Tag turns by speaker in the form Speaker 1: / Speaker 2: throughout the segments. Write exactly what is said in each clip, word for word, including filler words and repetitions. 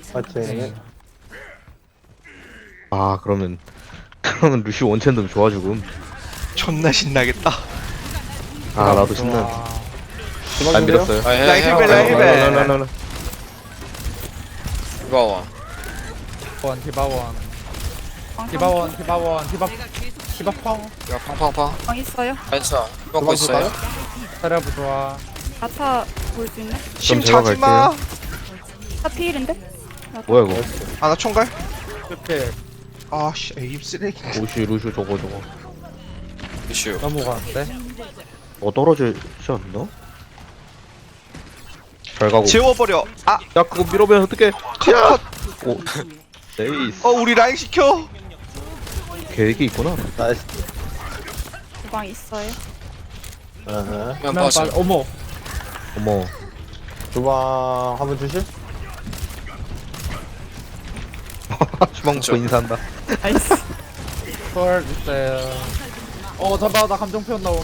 Speaker 1: 파이팅.
Speaker 2: 아 그러면 그러면 루시 원챔도 좋아 죽음.
Speaker 3: 존나 신나겠다.
Speaker 2: 아 나도 신나. 안 밀었어요.
Speaker 4: 아, 해,
Speaker 3: 라인
Speaker 4: 해,
Speaker 3: 힐벨,
Speaker 4: 해,
Speaker 3: 라인
Speaker 4: 해.
Speaker 3: 힐벨.
Speaker 2: 라라라라라.
Speaker 4: 이거 와.
Speaker 5: 원 디바원 디바원 디바원 디바 디바펑
Speaker 4: 야, 팡팡팡.
Speaker 6: 방 있어요?
Speaker 4: 괜찮아. 이거 거 있어요?
Speaker 5: 사려부 좋아.
Speaker 6: 아타 볼 수 있네?
Speaker 3: 심
Speaker 2: 제가
Speaker 3: 차지 마.
Speaker 6: 아 피일인데?
Speaker 2: 뭐야 이거?
Speaker 3: 아 나 총갈?
Speaker 5: 이렇게
Speaker 3: 아씨 에임 쓰레기.
Speaker 2: 루시 루시 저거 저거.
Speaker 4: 이슈.
Speaker 5: 넘어가는데.
Speaker 2: 어 떨어지지 않나? 잘 가고.
Speaker 3: 재워버려. 아,
Speaker 2: 야 그거 밀어보면 어떡해?
Speaker 3: 컷, 컷.
Speaker 2: 오. 네이스.
Speaker 3: 어 우리 라인 시켜.
Speaker 2: 계획이 있구나.
Speaker 1: 나이스.
Speaker 6: 주방 있어요?
Speaker 1: 어허.
Speaker 4: 그냥
Speaker 5: 그냥
Speaker 4: 빠져.
Speaker 5: 빠- 어머.
Speaker 2: 어머.
Speaker 1: 주방 한번 주실?
Speaker 2: 주방 먹고 인사한다.
Speaker 6: 나이스.
Speaker 5: 헐 있어요. 어 잠깐 나 감정 표현 나옴.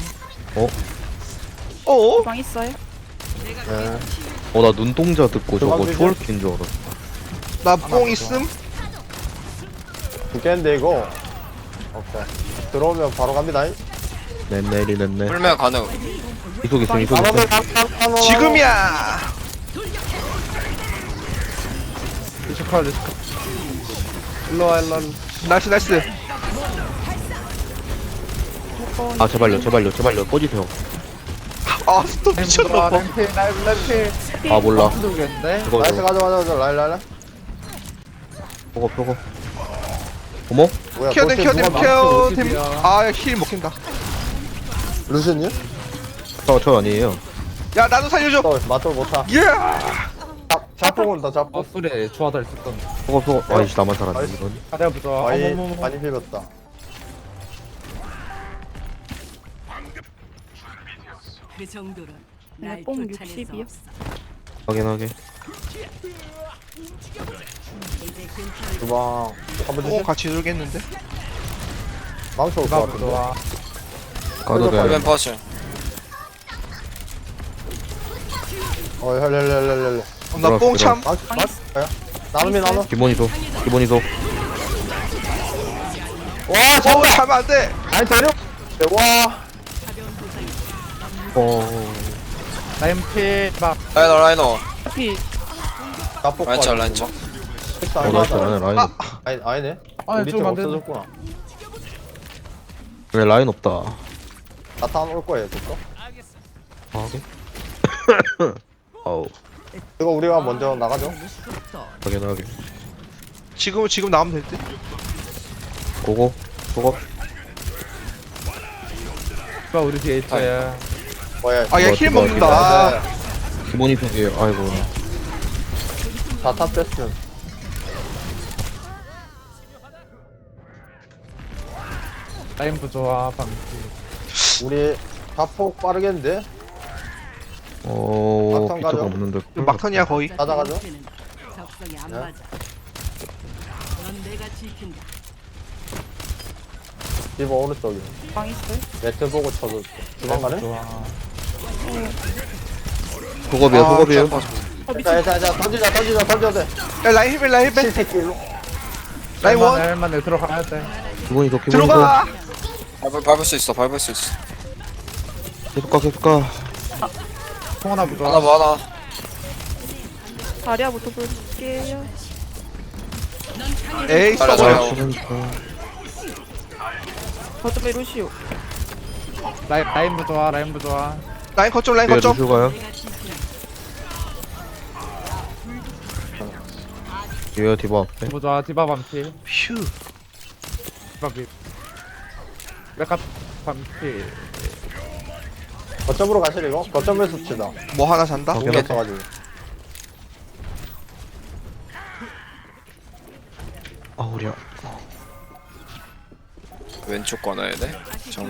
Speaker 3: 어?
Speaker 6: 주방 있어요?
Speaker 1: 네.
Speaker 2: 어 나 눈동자 듣고 저거
Speaker 1: 주방
Speaker 2: 초월킨 줄 알았어.
Speaker 3: 나 뽕 있음?
Speaker 1: 죽겠는데 이거. 오케이. 들어오면 바로 갑니다.
Speaker 2: 네 내리 냈네.
Speaker 4: 풀면 가능.
Speaker 2: 이속 있음 이속
Speaker 1: 바로
Speaker 2: 있음.
Speaker 1: 바로
Speaker 3: 지금이야.
Speaker 5: 리스컬 리스컬. 일로와 일로와.
Speaker 3: 나이스 나이스.
Speaker 2: 아 제발요 제발요 제발요 꺼지세요.
Speaker 3: 아 스톱 미쳤나 봐.
Speaker 5: 램필 라이브 램필.
Speaker 2: 아 몰라.
Speaker 5: 모르겠는데.
Speaker 2: 이거
Speaker 1: 나이스
Speaker 2: 이거
Speaker 1: 가자 가자 가자 라인 라인 라인.
Speaker 2: 저거 저거. 어머?
Speaker 1: 뭐야?
Speaker 3: 케어댐
Speaker 1: 도대체
Speaker 3: 케어댐
Speaker 1: 누가
Speaker 3: 케어댐.
Speaker 5: 오십이야.
Speaker 3: 아힐 먹힌다.
Speaker 1: 막- 루시님?
Speaker 2: 저저 아니에요.
Speaker 3: 야 나도 살려줘.
Speaker 1: 또 맞돌 못하.
Speaker 3: 예.
Speaker 1: 잡 잡고 온다 잡고.
Speaker 5: 어 소리 좋아다 있었던.
Speaker 2: 저거 저거. 아이씨 나만 살았네
Speaker 1: 나이스.
Speaker 2: 이건.
Speaker 5: 사려부 좋아.
Speaker 1: 많이
Speaker 5: 어머머머.
Speaker 1: 많이 비볐다.
Speaker 7: 그 정도로
Speaker 6: 근데
Speaker 7: 날
Speaker 6: 뽕
Speaker 7: 쫓아낼 수
Speaker 6: 육십이요?
Speaker 7: 없어.
Speaker 2: 확인하게.
Speaker 7: 이제 근처에
Speaker 1: 주방 한번
Speaker 3: 뽕
Speaker 1: 주실?
Speaker 3: 같이 놀겠는데?
Speaker 1: 망쳐 올것
Speaker 5: 디바부
Speaker 1: 같은데.
Speaker 5: 좋아.
Speaker 2: 가도 돼.
Speaker 4: 풀면 빠져.
Speaker 1: 어 헬렐렐렐렐.
Speaker 3: 나 뽕 참.
Speaker 1: 망쳐 망쳐요? 나눔이 나눔.
Speaker 2: 기본이 소. 기본이 소.
Speaker 1: 와
Speaker 3: 어
Speaker 1: 잡아.
Speaker 3: 차면 안 돼.
Speaker 1: 아니 데려. 와.
Speaker 2: 어.
Speaker 5: 램필 막
Speaker 4: 라이너, 라이너.
Speaker 6: 피
Speaker 1: 나폭.
Speaker 4: 라인 쳐, 라인 쳐.
Speaker 1: 식사
Speaker 2: 어
Speaker 1: 안
Speaker 2: 나이스
Speaker 1: 하자.
Speaker 2: 라인 라인.
Speaker 3: 아.
Speaker 1: 아니 아니네.
Speaker 5: 아니,
Speaker 1: 우리
Speaker 5: 좀
Speaker 1: 팀
Speaker 5: 안 되네.
Speaker 1: 없어졌구나.
Speaker 2: 왜 라인 없다.
Speaker 1: 나타나 올 거예요, 됐어?
Speaker 2: 하게. 어우.
Speaker 1: 이거 우리가 먼저 나가죠.
Speaker 2: 확인하게.
Speaker 3: 지금 지금 나오면 될 듯.
Speaker 2: 고고. 고고.
Speaker 5: 디바 우리 뒤에 있어요.
Speaker 1: 뭐야?
Speaker 3: 아 얘 힐 먹는다.
Speaker 2: 기본이 소예요. 아이고.
Speaker 1: 다탑 패스.
Speaker 5: 라인부 좋아. 방지.
Speaker 1: 우리 다폭 빠르겠는데?
Speaker 2: 어.
Speaker 1: 막상
Speaker 2: 비트가
Speaker 1: 가죠.
Speaker 2: 없는데.
Speaker 3: 막턴이야 거의.
Speaker 1: 가져가죠.
Speaker 7: 적성이 안
Speaker 1: 네.
Speaker 7: 맞아. 넌 내가 지킨다.
Speaker 1: 리버 오른쪽이.
Speaker 6: 주방 있어요?
Speaker 1: 네트 보고 쳐도 주방 가네?
Speaker 5: 좋아.
Speaker 2: 소급이야
Speaker 3: 아,
Speaker 2: 소급이에요.
Speaker 6: 어 미친.
Speaker 1: 자, 자, 자, 던지자, 던지자, 던져도 돼.
Speaker 3: 야 라인 힐벨 라인 힐벨.
Speaker 1: 칠새끼 일로.
Speaker 3: 라인 원.
Speaker 5: 할만해 들어가야 돼.
Speaker 2: 기본이 소. 기본이 소.
Speaker 3: 들어가.
Speaker 4: 밟을, 밟을 수 있어, 밟을 수 있어.
Speaker 2: 계속 가 계속 가.
Speaker 5: 통하나 부좋아.
Speaker 4: 하나 뭐 하나.
Speaker 6: 다리아부터 볼게요.
Speaker 3: 에이
Speaker 4: 잘해,
Speaker 3: 써버려.
Speaker 4: 잘해.
Speaker 2: 그러니까.
Speaker 6: 거점에 루시오.
Speaker 5: 라인 라인부 좋아. 라인부 좋아.
Speaker 3: 라인 거점 라인
Speaker 2: 위에
Speaker 3: 거점.
Speaker 2: 루슈 가요. 뒤에 디바 앞에.
Speaker 5: 디바 좋아. 디바 반필.
Speaker 3: 휴.
Speaker 5: 디바 비. 메카 반필.
Speaker 1: 거점으로 가실 이거? 거점에서 치다.
Speaker 3: 뭐 하나 산다?
Speaker 2: 오케이.
Speaker 1: 공격 쳐가지고.
Speaker 2: 아 우리야.
Speaker 4: 왼쪽 꺼놔야 돼. 정면.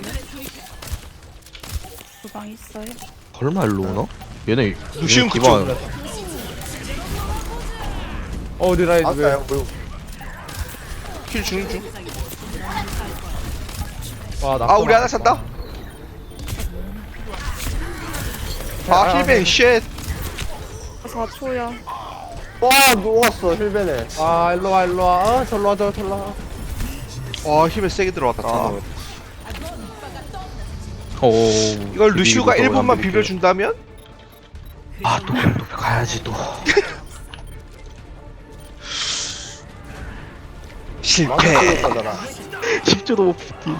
Speaker 6: 주방 있어요?
Speaker 2: 설마 일로 오나? 얘네
Speaker 3: 루시움
Speaker 2: 디바.
Speaker 3: 그쪽.
Speaker 5: 어 우리 라인 왜?
Speaker 1: 아까요, 뭐,
Speaker 3: 힐 주는 중.
Speaker 5: 와, 나
Speaker 3: 아 우리 하나 산다. 아 힐벨 쉣.
Speaker 6: 사 초야.
Speaker 1: 와 누웠어 힐베네.
Speaker 5: 아 일로와 일로와 어 절로와 저 절로와.
Speaker 3: 와 힘을 세게 들어왔다.
Speaker 2: 오.
Speaker 3: 이걸 루시우가 일 분만 비벼준다면?
Speaker 2: 아또 또 가야지 또.
Speaker 3: 실패.
Speaker 1: 망치겠다잖아.
Speaker 2: 십 초도 못 붙기.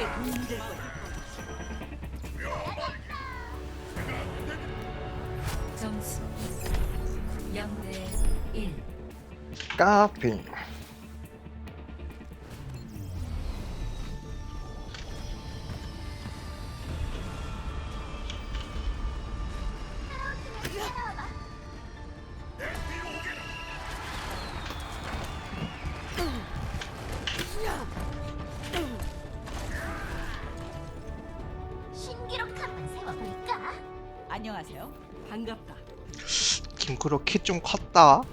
Speaker 7: 점수 영 대 일.
Speaker 1: 까핑.
Speaker 8: 신기록 한번 세워볼까?
Speaker 7: 안녕하세요. 반갑다.
Speaker 3: 김크로 키 좀 컸다.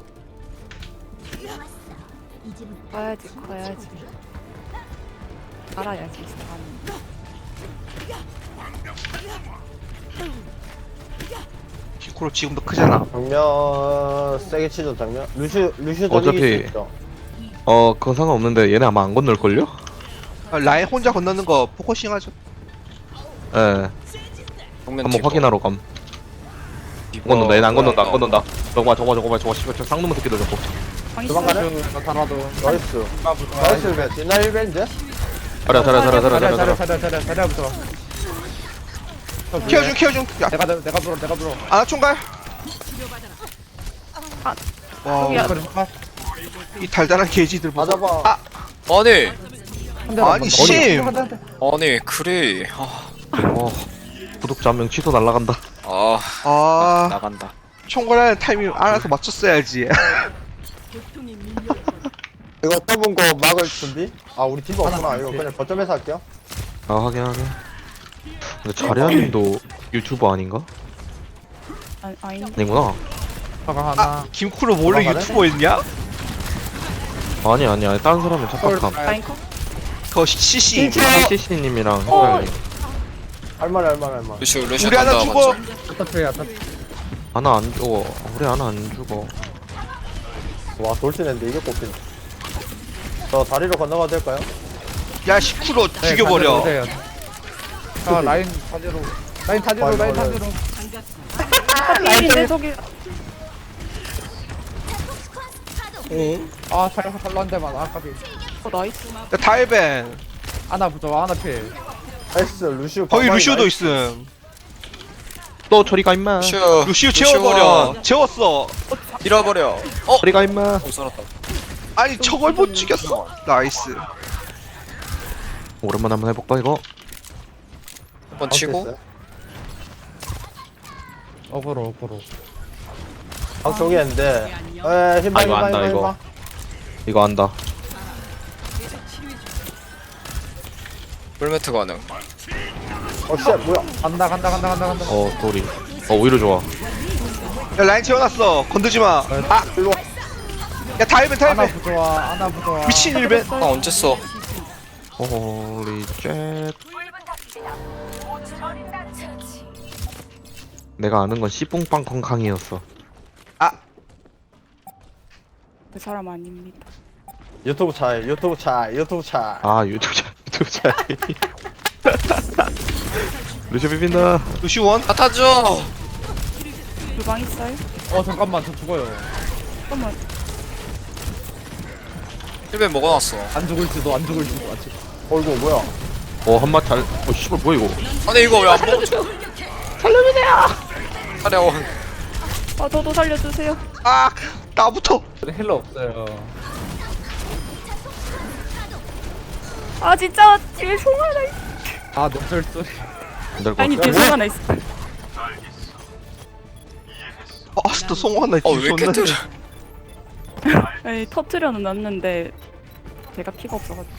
Speaker 8: 좋았어. 이제부터
Speaker 6: 커야지 커야지. 알아야지 사람.
Speaker 3: 김크로 지금도 크잖아.
Speaker 1: 정면 세게 치죠 정면. 루시 루시 던지기
Speaker 2: 어차피-
Speaker 1: 수 있죠.
Speaker 2: 어 그건 상관없는데 얘네 아마 안 건널걸요?
Speaker 3: 아, 라인 혼자 건너는 거 포커싱 하죠.
Speaker 2: 예.
Speaker 4: 정면
Speaker 2: 한번
Speaker 4: 티버.
Speaker 2: 확인하러 감. 안 건넌다 얘네 안 건넌다 안 건넌다. 저거 봐 저거 봐 저거 봐 저거 씨발 저 쌍놈의 새끼들 저거.
Speaker 6: 방이
Speaker 1: 도망가네?
Speaker 5: 나 달아도.
Speaker 1: 나이스. 나이스 힐베. 뒷날 힐베인데?
Speaker 2: 자리야 자리야 자리야 자리야
Speaker 5: 자리야
Speaker 2: 자리야
Speaker 5: 자리야
Speaker 2: 자리야.
Speaker 5: 자리야 자리야 자리야부터.
Speaker 3: 키워준 키워준. 야
Speaker 5: 내가 내- 내가 불어 내가 불어.
Speaker 3: 아나 총갈.
Speaker 6: 아,
Speaker 3: 와,
Speaker 6: 저기야.
Speaker 5: 그래, 아,
Speaker 3: 이 달달한 게이지들 보소.
Speaker 1: 맞아봐.
Speaker 3: 아,
Speaker 4: 아니
Speaker 5: 한 대만
Speaker 3: 아니,
Speaker 5: 더.
Speaker 3: 심.
Speaker 5: 한 대, 한 대.
Speaker 4: 아니 그래. 아,
Speaker 2: 어 구독자 한 명 취소 날라간다.
Speaker 4: 아
Speaker 3: 아,
Speaker 4: 나간다.
Speaker 3: 총괄하는 타이밍 알아서 맞췄어야지.
Speaker 7: 고통이 밀려.
Speaker 1: 이거 떠본 거 막을 준비? 아 우리 팀 없구나. 이거 그냥 거점에서 할게요.
Speaker 2: 아 하긴 하긴. 근데 자리아님도 유튜버 아닌가?
Speaker 6: 아, 아닌데.
Speaker 2: 아니구나.
Speaker 5: 화가 하나.
Speaker 3: 아, 김크로 원래
Speaker 1: 도망가네?
Speaker 3: 유튜버였냐?
Speaker 2: 아니 아니 아니 다른 사람은 착각함.
Speaker 6: 라인커?
Speaker 3: 그거 씨씨.
Speaker 2: 씨씨님이랑 헷갈려.
Speaker 1: 할만해 할만해 할만해.
Speaker 4: 루시오 루시오
Speaker 3: 우리 하나
Speaker 4: 간다,
Speaker 3: 죽어.
Speaker 4: 맞죠?
Speaker 5: 어차피 어차피.
Speaker 2: 하나 안 죽어. 우리 하나 안 죽어.
Speaker 1: 와 돌진했는데 이게 꼽히네. 저 다리로 건너가도 될까요?
Speaker 3: 야, 시쿠로
Speaker 5: 네,
Speaker 3: 죽여버려.
Speaker 5: 단지로 오세요. 아 라인 타지로. 라인 타지로
Speaker 1: 빨리,
Speaker 5: 라인
Speaker 1: 빨리.
Speaker 5: 타지로.
Speaker 7: 반갑다.
Speaker 6: 필인데 저기.
Speaker 5: 아 살려서 살로 한 대만. 아 까비.
Speaker 6: 어 나이스.
Speaker 3: 야, 다이벤.
Speaker 5: 아나 부조 아나 필.
Speaker 1: 나이스 루시오.
Speaker 3: 거기
Speaker 1: 방망이
Speaker 3: 루시오도
Speaker 1: 나이스.
Speaker 3: 있음.
Speaker 2: 너 저리 가 임마.
Speaker 4: 루시오
Speaker 3: 루시오 채워버려. 채웠어.
Speaker 4: 잃어버려. 어?
Speaker 2: 저리 가 임마.
Speaker 4: 어 썰었다.
Speaker 3: 아니, 저걸 못 죽였어. 나이스.
Speaker 2: 오랜만에 한번 해볼까 이거?
Speaker 4: 한번 치고
Speaker 5: 어그로 어그로.
Speaker 1: 아 저기 했는데. 에 힘봐
Speaker 2: 아, 이거
Speaker 1: 힘봐
Speaker 2: 안다,
Speaker 1: 힘봐
Speaker 2: 이거.
Speaker 1: 힘봐.
Speaker 2: 이거 안다.
Speaker 4: 풀매트 가능.
Speaker 1: 어씨 뭐야?
Speaker 5: 간다 간다 간다 간다 간다.
Speaker 2: 어 소리. 어 오히려 좋아.
Speaker 3: 야, 라인 채워놨어. 건드지 마. 아,
Speaker 1: 일로 와.
Speaker 3: 야, 다이벤,
Speaker 5: 아나
Speaker 3: 다이벤.
Speaker 5: 부조와 아나 부조와.
Speaker 3: 미친 일벤.
Speaker 4: 아 언제 써?
Speaker 2: 홀리 쉣. 내가 아는 건 씨뿡빵 콩캉이었어.
Speaker 3: 아,
Speaker 6: 그 사람 아닙니다.
Speaker 1: 유튜브 차이 유튜브 차이 유튜브 차이.
Speaker 2: 아 유튜브 차 유튜브 차. 루시 비빈다.
Speaker 3: 루시원.
Speaker 4: 다 타죠.
Speaker 6: 주방 있어요?
Speaker 5: 어 잠깐만 저 죽어요.
Speaker 6: 잠깐만.
Speaker 4: 힐벤 먹어놨어.
Speaker 5: 안 죽을지도 안 죽을지도 안 죽.
Speaker 1: 어이구 뭐야?
Speaker 2: 어 한마 잘. 어 씨발 뭐야 이거?
Speaker 4: 아니 이거 왜 안 먹어줘? 살려주세요. 차려원.
Speaker 6: 아 저도 살려주세요.
Speaker 3: 아, 나부터.
Speaker 5: 힐러 없어요.
Speaker 6: 아 진짜 뒤에 송 하나 있어.
Speaker 5: 아 놈들 소리.
Speaker 2: 안될것
Speaker 6: 아니
Speaker 2: 같아.
Speaker 6: 뒤에 송 하나 있어.
Speaker 3: 아, 또 송호 하나
Speaker 4: 어왜 이렇게
Speaker 3: 뒤졌네.
Speaker 4: 뜨려?
Speaker 6: 아니 터트려는 놨는데 제가 피가 없어가지고.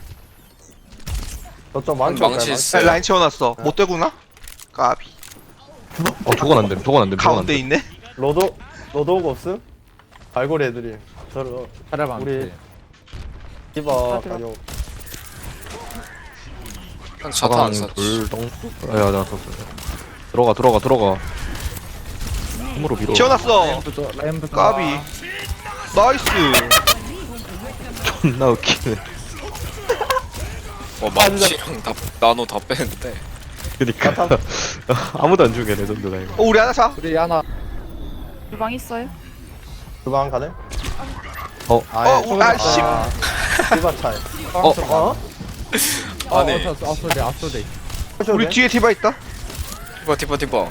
Speaker 1: 저쪽 망치
Speaker 4: 망치
Speaker 1: 없어요,
Speaker 4: 있어.
Speaker 3: 야, 라인 채워놨어. 못 되구나? 까비.
Speaker 2: 어 저건 안 돼. 저건 안 돼. 저건 안
Speaker 3: 가운데
Speaker 2: 돼.
Speaker 3: 있네.
Speaker 1: 로도 로도가 없음? 갈고리 애들이 저를
Speaker 5: 잘해봐.
Speaker 1: 우리 디바
Speaker 6: 들어.
Speaker 1: 가요.
Speaker 4: 형 차타 안
Speaker 2: 사강
Speaker 4: 샀지.
Speaker 2: 돌덩. 아야 나 썼어. 들어가 들어가 들어가. 힘으로 밀어.
Speaker 3: 채워놨어.
Speaker 5: 라인 부조 라인 부조.
Speaker 3: 까비. 나이스.
Speaker 2: 존나 웃기네.
Speaker 4: 어 망치랑 다 나노 다 빼는데.
Speaker 2: 그니까 아무도 안 죽여 레전드다 이거.
Speaker 3: 어, 우리 하나 자.
Speaker 5: 우리 하나.
Speaker 6: 주방 있어요?
Speaker 1: 주방 가네?
Speaker 2: 어.
Speaker 3: 어, 우- 아, 씨.
Speaker 1: 디바 차이.
Speaker 2: 어?
Speaker 1: 어?
Speaker 4: 아니.
Speaker 5: 어, 저 앞소리 앞소리.
Speaker 3: 우리 뒤에 디바 있다.
Speaker 4: 티바 티바 티바.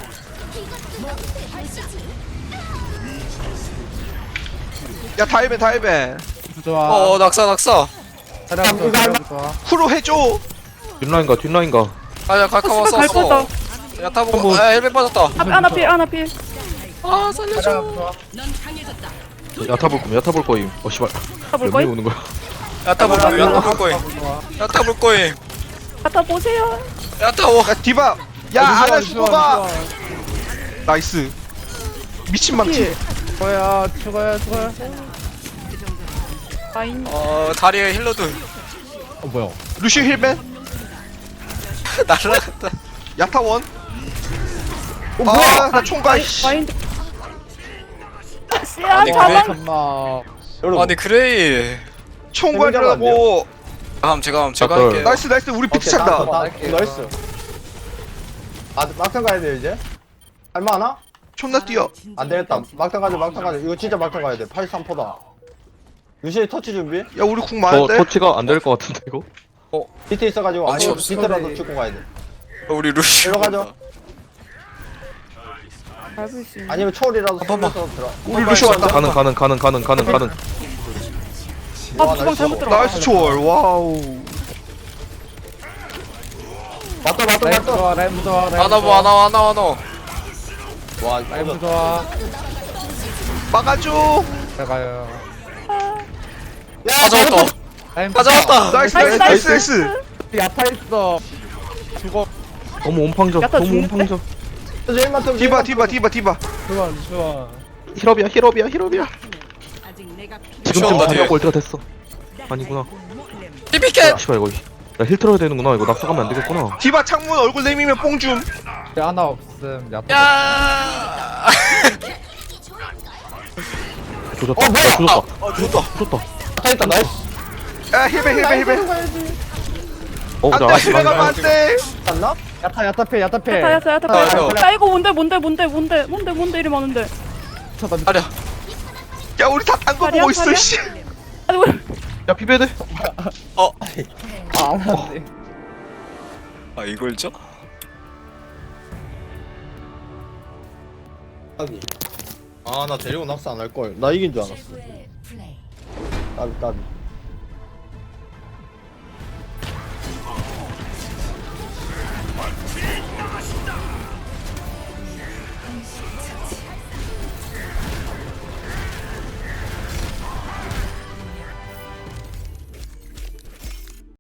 Speaker 3: 야, 다이벤, 다이벤.
Speaker 5: 좋아.
Speaker 4: 어 낙사 낙사.
Speaker 5: 차량 좋아. 차량 좋아.
Speaker 3: 후로 해줘.
Speaker 2: 뒷라인가 뒷라인가.
Speaker 4: 아야 갈까
Speaker 6: 갈
Speaker 4: 왔어.
Speaker 6: 거다.
Speaker 4: 야타 보고. 아 헬멧 빠졌다.
Speaker 6: 아, 하나 필 하나 필.
Speaker 4: 아 살려줘.
Speaker 5: 차량 좋아.
Speaker 2: 야타 볼 거임 야타 볼 거임. 어 씨발.
Speaker 6: 가볼
Speaker 2: 몇
Speaker 6: 거임?
Speaker 2: 명이 오는 거야?
Speaker 4: 야타 볼 거임. 야타 볼 거임.
Speaker 5: 좋아.
Speaker 4: 야타 볼 거임.
Speaker 6: 갖다 보세요.
Speaker 4: 야타 오.
Speaker 3: 야, 디바. 야, 하나 죽어봐. 나이스. 미친 망치.
Speaker 5: 죽어야 죽어야 죽어야.
Speaker 6: 라인.
Speaker 4: 어 다리에 힐러들.
Speaker 5: 어 뭐야?
Speaker 3: 루시 힐벤.
Speaker 4: 날라갔다.
Speaker 3: 야타원.
Speaker 1: 어, 뭐야?
Speaker 3: 아, 나 총가. 씨.
Speaker 6: 라인. 씨야
Speaker 4: 아니,
Speaker 6: 자방.
Speaker 5: 잠깐만.
Speaker 1: 여러분.
Speaker 4: 아니 그레이.
Speaker 3: 총괄이라고.
Speaker 4: 다음 제가 다음 제가
Speaker 2: 아까-
Speaker 4: 할게요.
Speaker 3: 나이스, 나이스. 우리 비트 찬다.
Speaker 1: 나, 나이스. 아, 막상 가야 돼, 이제? 할만하나?
Speaker 3: 존나 뛰어.
Speaker 1: 안 되겠다. 막상 가자, 막상 가자. 이거 진짜 막상 가야 돼. 팔십삼 퍼센트다. 유신이 터치 준비?
Speaker 3: 야, 우리 궁
Speaker 2: 저
Speaker 3: 많은데.
Speaker 2: 터치가 안 될 것 같은데 이거?
Speaker 1: 비트 있어가지고
Speaker 4: 아니,
Speaker 1: 아무
Speaker 4: 없어.
Speaker 1: 비트라도 찍고 가야 돼.
Speaker 4: 어, 우리 루시.
Speaker 1: 들어가죠.
Speaker 6: 밟을 수 있는.
Speaker 1: 아니면 초월이라도
Speaker 4: 번만.
Speaker 1: 쏘면서 들어.
Speaker 3: 우리 루시 왔다.
Speaker 2: 가는 가는 가는 가는 가는 가는.
Speaker 6: 아 주방 잘못 들어가.
Speaker 3: 나이스 초월. 와우.
Speaker 1: 맞다, 맞다,
Speaker 5: 라임
Speaker 1: 맞다.
Speaker 5: 좋아. 라임 좋아. 라임
Speaker 4: 하나 뭐
Speaker 5: 좋아.
Speaker 4: 하나 하나 하나.
Speaker 1: 와,
Speaker 5: 라임
Speaker 1: 이거
Speaker 5: 좋아.
Speaker 3: 막아줘.
Speaker 5: 들어가요.
Speaker 4: 다 잡았다.
Speaker 5: 라임
Speaker 4: 다 잡았다.
Speaker 3: 나이스, 나이스, 나이스, 나이스.
Speaker 5: 야타 있어. 죽어.
Speaker 2: 너무 온팡져.
Speaker 6: 야타
Speaker 2: 너무
Speaker 6: 죽는데?
Speaker 2: 온팡져.
Speaker 1: 제일만 좀
Speaker 3: 디바, 디바, 디바, 디바.
Speaker 5: 좋아 좋아.
Speaker 2: 힐업이야 힐업이야 힐업이야.
Speaker 7: 아직 내가
Speaker 2: 지금쯤
Speaker 4: 시원하다, 뒤에.
Speaker 2: 자력 골드가 됐어. 아니구나.
Speaker 4: 티피켓.
Speaker 2: 씨발 이거. 나힐 틀어야 되는구나. 이거 낙사가면 안 되겠구나.
Speaker 3: 디바 창문 얼굴 내미면 뽕줌.
Speaker 5: 하나 없음. 야타.
Speaker 4: 야.
Speaker 2: 조졌다. 야, 조졌다.
Speaker 4: 아 죽었다.
Speaker 2: 조졌다.
Speaker 1: 다 있다, 나이스.
Speaker 3: 야, 힐벤, 힐벤, 힐벤.
Speaker 2: 어,
Speaker 3: 안
Speaker 2: 자,
Speaker 3: 돼,
Speaker 2: 아직
Speaker 3: 힐벤 가면 안 돼.
Speaker 1: 았나?
Speaker 5: 야타 야타패 야타패.
Speaker 6: 야타 야타 야타.
Speaker 4: 아, 저.
Speaker 6: 야 이거 뭔데 뭔데 뭔데 뭔데 뭔데 뭔데 이리 많은데.
Speaker 4: 다리야.
Speaker 3: 야, 우리 다 딴 거
Speaker 6: 다리야,
Speaker 3: 보고 있어,
Speaker 6: 다리야?
Speaker 3: 씨.
Speaker 6: 아니 왜?
Speaker 2: 야 비베드.
Speaker 4: 어.
Speaker 5: 아안 돼.
Speaker 4: 아 이걸 줘?
Speaker 1: 아, 나 데리고 낙사 안 할 걸. 나 이긴 줄 알았어.
Speaker 7: 최고의 플레이.
Speaker 1: 까비, 까비.